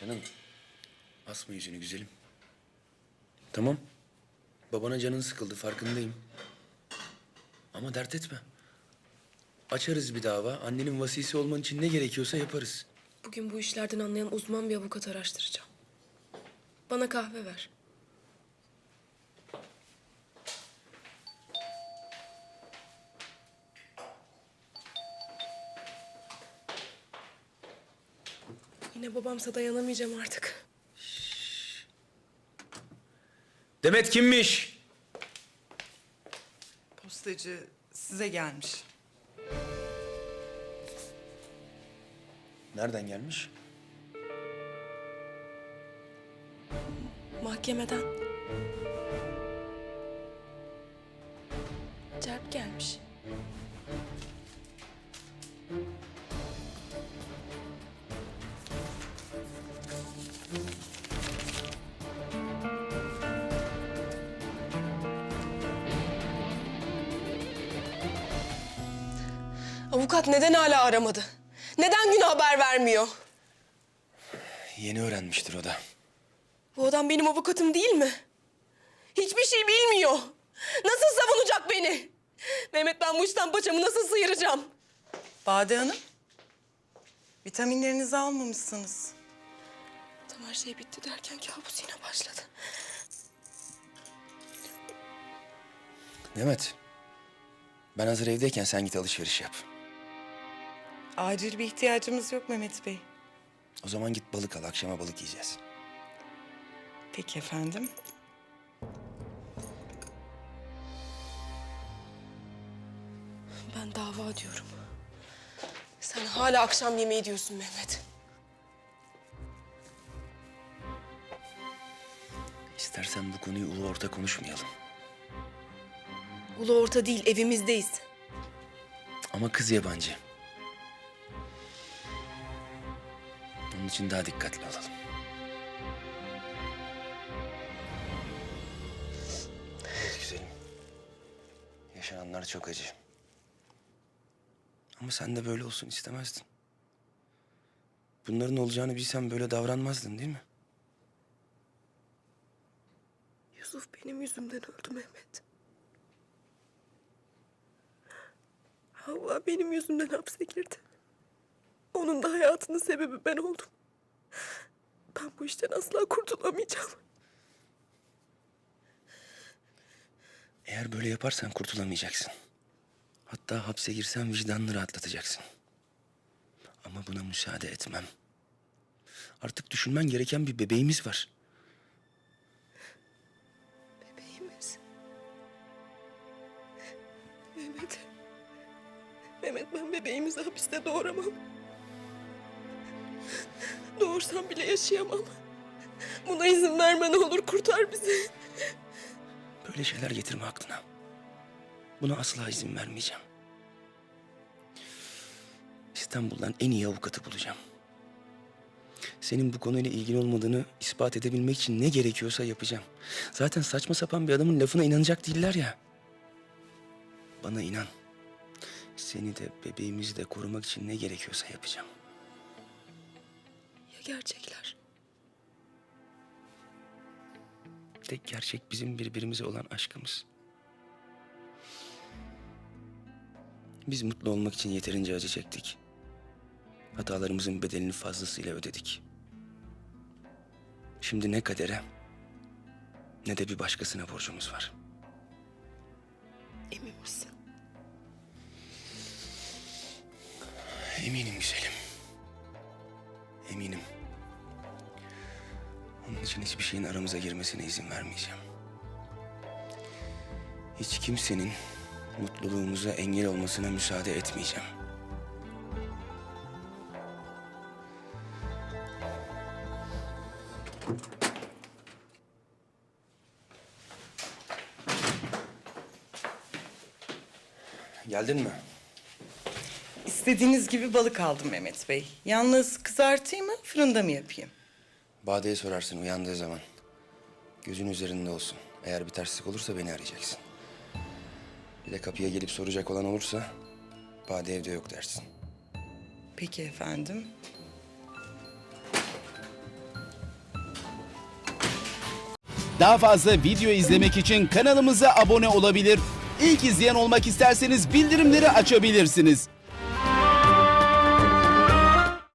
Canım, asma yüzünü güzelim. Tamam, babana canın sıkıldı, farkındayım. Ama dert etme. Açarız bir dava. Annenin vasisi olman için ne gerekiyorsa yaparız. Bugün bu işlerden anlayan uzman bir avukat araştıracağım. Bana kahve ver. Yine babamsa dayanamayacağım artık. Demet kimmiş? Postacı size gelmiş. Nereden gelmiş? Mahkemeden. Celp gelmiş. Avukat neden hala aramadı? Neden güne haber vermiyor? Yeni öğrenmiştir o da. Bu adam benim avukatım değil mi? Hiçbir şey bilmiyor. Nasıl savunacak beni? Mehmet, ben bu işten paçamı nasıl sıyıracağım? Bade Hanım, vitaminlerinizi almamışsınız. Tam her şey bitti derken kabus yine başladı. Demet, ben hazır evdeyken sen git alışveriş yap. Acil bir ihtiyacımız yok Mehmet Bey. O zaman git balık al, akşama balık yiyeceğiz. Peki efendim. Ben dava diyorum. Sen hala akşam yemeği diyorsun Mehmet. İstersen bu konuyu ulu orta konuşmayalım. Ulu orta değil, evimizdeyiz. Ama kız yabancı. Onun için daha dikkatli olalım. Evet güzelim. Yaşananlar çok acı. Ama sen de böyle olsun istemezdin. Bunların olacağını bilsen böyle davranmazdın değil mi? Yusuf benim yüzümden öldü Mehmet. Havva benim yüzümden hapse girdi. Onun da hayatının sebebi ben oldum. Ben bu işten asla kurtulamayacağım. Eğer böyle yaparsan kurtulamayacaksın. Hatta hapse girsen vicdanını rahatlatacaksın. Ama buna müsaade etmem. Artık düşünmen gereken bir bebeğimiz var. Bebeğimiz. Mehmet. Mehmet, ben bebeğimizi hapiste doğuramam. Doğursam bile yaşayamam. Buna izin verme ne olur, kurtar bizi. Böyle şeyler getirme aklına. Buna asla izin vermeyeceğim. İstanbul'dan en iyi avukatı bulacağım. Senin bu konuyla ilgili olmadığını ispat edebilmek için ne gerekiyorsa yapacağım. Zaten saçma sapan bir adamın lafına inanacak değiller ya. Bana inan. Seni de bebeğimizi de korumak için ne gerekiyorsa yapacağım. Ya gerçekler? Tek gerçek bizim birbirimize olan aşkımız. Biz mutlu olmak için yeterince acı çektik. Hatalarımızın bedelini fazlasıyla ödedik. Şimdi ne kadere ne de bir başkasına borcumuz var. Emin misin? Eminim güzelim. Eminim. Onun için hiçbir şeyin aramıza girmesine izin vermeyeceğim. Hiç kimsenin mutluluğumuza engel olmasına müsaade etmeyeceğim. Geldin mi? İstediğiniz gibi balık aldım Mehmet Bey. Yalnız kızartayım mı, fırında mı yapayım? Bade'ye sorarsın uyandığı zaman. Gözün üzerinde olsun. Eğer bir terslik olursa beni arayacaksın. Bir de kapıya gelip soracak olan olursa Bade evde yok dersin. Peki efendim. Daha fazla video izlemek için kanalımıza abone olabilir. İlk izleyen olmak isterseniz bildirimleri açabilirsiniz.